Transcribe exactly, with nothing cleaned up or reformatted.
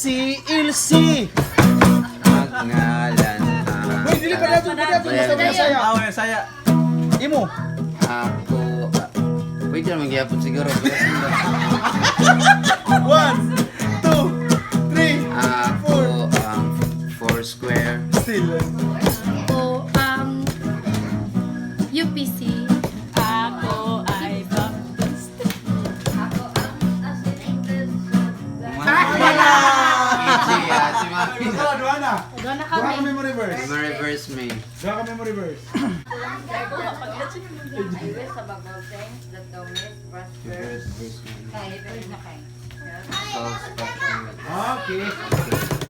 Si Ilsi. Ngalan Uy, dili pa dato, pa dato, masaya saya. Ah, wala saya. Imo. ako. Pwede naman gyapon siguro. One, two, three, Ako ang four square. still. Ako ang U P C. Ako ay Baptist. Easy, ah, si Mami. Ikaw, duha na. Doon na Duha kami. kami mo reverse. Ma-reverse me. Duha kami mo reverse. I wish above all things that thou mayest prosper. Reverse me. Kaya, pero na kayo. So, special. Okay.